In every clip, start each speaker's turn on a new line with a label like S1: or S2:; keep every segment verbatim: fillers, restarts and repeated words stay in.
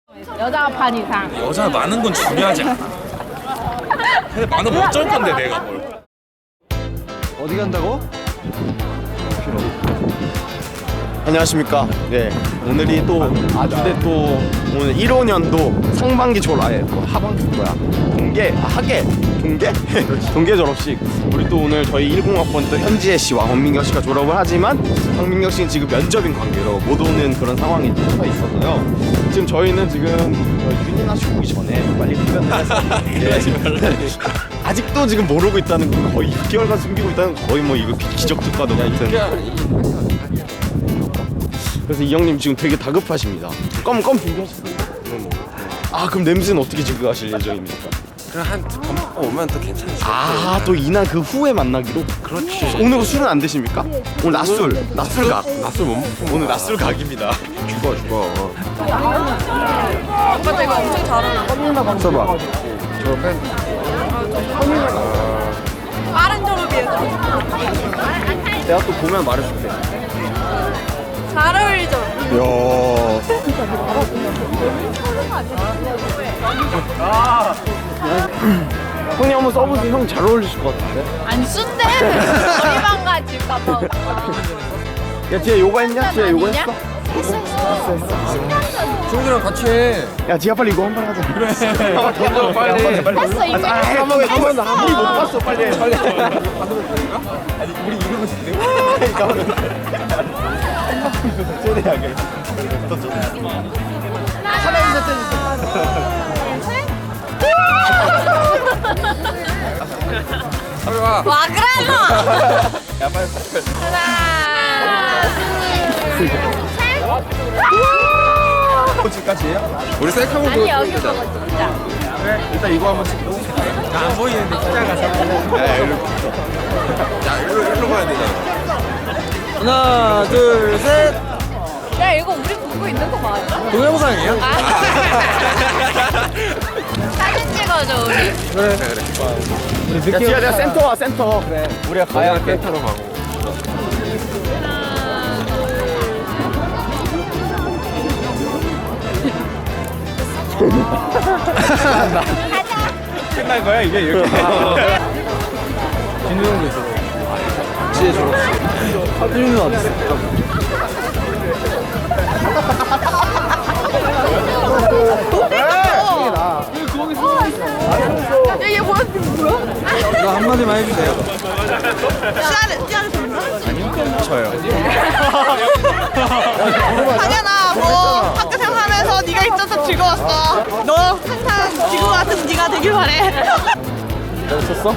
S1: 여자가 반 이상.
S2: 여자 많은 건 중요하지 않아. 근데 많으면 어쩔 건데 내가 뭘.
S3: 어디 간다고? 안녕하십니까. 네, 오늘이 또 아주대 또 오늘 일 호년도 상반기 졸업 아예 또 하반기 뭐야 동계 아, 학예 동계 동계 졸업식. 우리 또 오늘 저희 십 학번 또 현지혜 씨와 황민경 씨가 졸업을 하지만 황민경 씨는 지금 면접인 관계로 못 오는 그런 상황이 처해 있어서요. 지금 저희는 지금 윤이나 씨 오기 전에 빨리 흡연을 해서 네. 아직도 지금 모르고 있다는 거 거의 육 개월간 숨기고 있다는 거 거의 뭐 이거 기적 특가도 같은. 그래서 이 형님 지금 되게 다급하십니다. 껌, 껌 준비하시고요. 아, 그럼 냄새는 어떻게 제거하실 예정입니까?
S4: 그럼 한밥 먹고 오면 또 괜찮지.
S3: 아, 또 이날 그 후에 만나기로?
S4: 그렇지.
S3: 오늘 술은 안 드십니까? 오늘 낮술, 낮술각.
S4: 낮술 못 먹고
S3: 오늘 낮술각입니다.
S4: 죽어 죽어.
S1: 오빠 이거 엄청 잘하나?
S3: 써봐.
S4: 졸업해?
S1: 빠른 졸업이에요.
S3: 내가 또 보면 말해줄게.
S1: 잘 어울리죠?
S3: 이야. 형님 한번 써보세요. 형 잘 어울리실 것 같은데?
S1: 안 순대. 머리만 가질까봐.
S3: 야, 지혜 요가 했냐? 지혜 요가 했어?
S1: 했어 했어.
S4: 친구들이랑 같이 해.
S3: 야, 지혜 빨리 이거 한 번 하자. 그래. 던져 빨리.
S1: 했어 이제.
S3: 아, 한번 한번 더. 우리 못 봤어. 빨리 해. 빨리. 아니, 우리 이러고 있는데. 최대하게.
S4: 빨리 와.
S1: 와 그래 너.
S4: 야 빨리 빨리.
S1: 하나, 둘, 셋.
S3: 코치까지예요?
S4: 우리 셀카 보고.
S1: 아니 여기 보고 진짜.
S3: 일단 이거 한번 찍고.
S2: 안 보이는데 진짜 가서.
S4: 야 일로. 야 일로 일로 가야 되잖아.
S5: 하나, 둘, 셋.
S1: 야 이거 우리 보고 있는 거 맞아?
S5: 동영상이에요?
S1: 아. 사진 찍어줘 우리.
S5: 그래.
S3: 야, 지혜야, 내가 센터 와, 센터. 그래. 우리가 가야 할
S4: 센터로 가고.
S3: 끝난 거야, 이게 이렇게.
S5: 진우 형도 있어. 지혜 졸업. 하준이는 어디 있어?
S1: 야얘 뭐야 뭐야?
S5: 이거 한마디만 해주세요.
S1: 씨알을 씨알을 듣나?
S3: 저요.
S6: 당연아 뭐 학교 생활하면서 네가 있어서 즐거웠어. 너 항상 지구 같은 네가 되길 바래.
S3: 너 쳤어?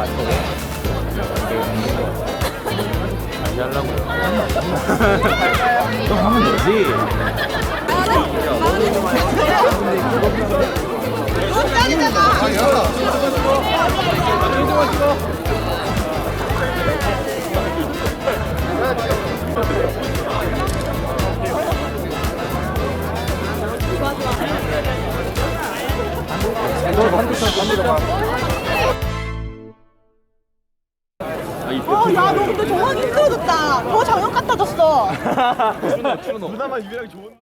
S3: 너 하면 되지.
S6: 너 짱이잖아. 어, 야, 너 근데 정말 힘들어졌다. 더 장염 같아졌어.
S3: 누나만 유일하게 좋은.